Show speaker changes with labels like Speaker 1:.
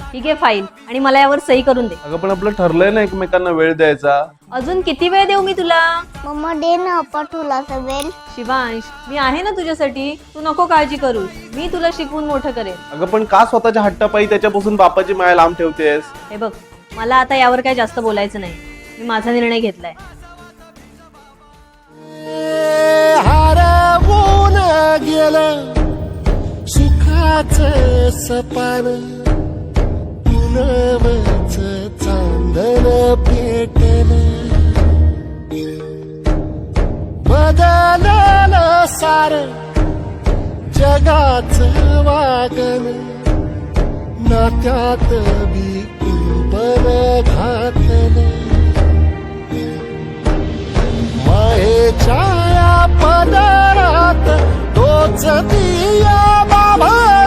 Speaker 1: ही घे फाईल आणि मला यावर सही करून दे.
Speaker 2: अगं पण आपलं ठरलंय ना एकमेकांना वेळ द्यायचा.
Speaker 1: अजून किती वेळ देऊ मी तुला?
Speaker 3: मम्मा दे ना पटुला वेल.
Speaker 1: शिवांश, मी आहे ना तुझ्यासाठी, तू नको काळजी करूस, मी तुला शिकवून मोठं करेन.
Speaker 2: अगं पण का स्वतःच्या हट्टापायी त्याच्यापासून बापाची माया लांब ठेवतेस?
Speaker 1: हे बघ, मला आता यावर काही जास्त बोलायचं नाही. मी माझा निर्णय घेतलाय.
Speaker 4: हरवून गेलं सुखाचं सपान, पुनवच चांदण पेटलं, बदललं सारं जगाचं वागण, नात्यात बी कुंपण घातलं, मायेच्या या पदरात तोच दिया बाबा